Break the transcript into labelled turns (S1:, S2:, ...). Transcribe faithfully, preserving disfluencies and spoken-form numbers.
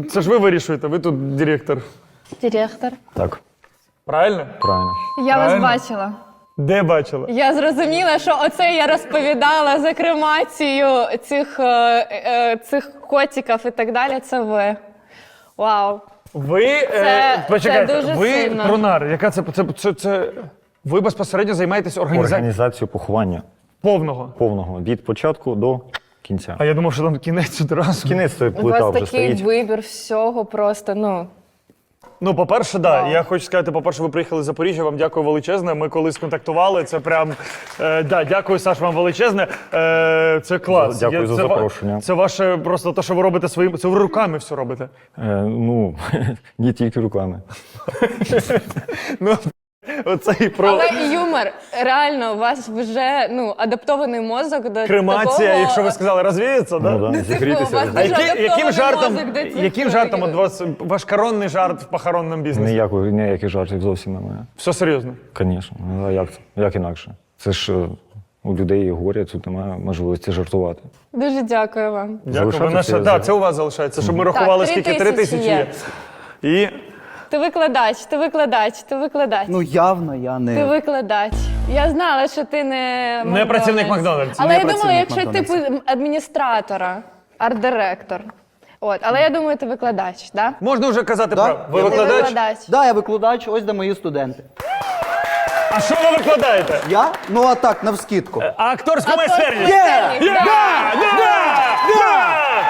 S1: це ж ви вирішуєте, ви тут директор.
S2: Директор.
S3: Так,
S1: Правильно?
S3: правильно.
S2: Я
S1: Правильно?
S2: вас бачила.
S1: Де бачила?
S2: Я зрозуміла, що оце я розповідала за кремацію цих, е, е, цих котиків і так далі. Це ви. Вау.
S1: Ви,
S2: Це-
S1: е, почекайте,
S2: це дуже
S1: ви
S2: сильно.
S1: пронар, яка це, це, це, це, ви безпосередньо займаєтесь організацією
S3: Організацію поховання
S1: повного.
S3: повного, від початку до кінця.
S1: А я думав, що там кінець одразу.
S3: Кінець тої
S2: У
S3: плита
S2: вас
S3: вже
S2: такий
S3: стоїть.
S2: вибір всього просто, ну.
S1: Ну, по-перше, да. Я хочу сказати, по-перше, ви приїхали з Запоріжжя, вам дякую величезне. Ми колись контактували, це прям, е, да, дякую, Саш, вам величезне. Е, це клас.
S3: Дякую
S1: Я-
S3: за
S1: це ва-
S3: запрошення.
S1: Це ваше просто те, що ви робите своїм, це ви руками все робите.
S3: Е, ну, не тільки руками.
S1: Ну, оцей про
S2: Але юмор, реально, у вас вже, ну, адаптований мозок до
S1: кремація,
S2: такого...
S1: якщо ви сказали, розвіється, да?
S3: Ну, да, зігрітися.
S2: у вас
S1: А
S2: дуже
S1: які, яким
S2: адаптований
S1: жартом,
S2: мозок до цих
S1: яким жартом от
S2: роликів.
S1: вас ваш коронний жарт в похоронному бізнесі?
S3: Ніяких, ніяких жартів зовсім немає.
S1: Все серйозно.
S3: Звісно. Ну, а як, це? Як інакше? Це ж е, у людей горе, тут немає можливості жартувати.
S2: Дуже дякую вам.
S1: Дякую. Ви
S3: Залишатися
S1: наша,
S3: я
S1: да,
S3: за-
S1: це у вас залишається, щоб ми рахували,
S2: три
S1: скільки три
S2: тисячі
S1: тисячі є.
S2: є.
S1: І
S2: Ти викладач, ти викладач, ти викладач.
S4: Ну явно я
S2: Ти
S4: не.
S2: викладач. Я знала, що ти не
S1: Не працівник Макдональдсу.
S2: Але
S4: Не
S2: я думала,
S4: працівник
S2: якщо
S4: Макдональдсу.
S2: типу адміністратора, арт-директор. От, але я думаю, ти викладач, да?
S1: можна вже казати
S4: Да.
S1: правду. Ви
S4: Я
S2: Ти
S1: викладач?
S2: викладач.
S4: Да, я викладач, ось де мої студенти.
S1: А що ви викладаєте?
S4: Я? Ну а так, навскидку.
S1: А акторську
S2: Акторську
S1: майстерність?
S2: майстерність,
S1: Є!
S2: да.
S1: Да! Да! Да!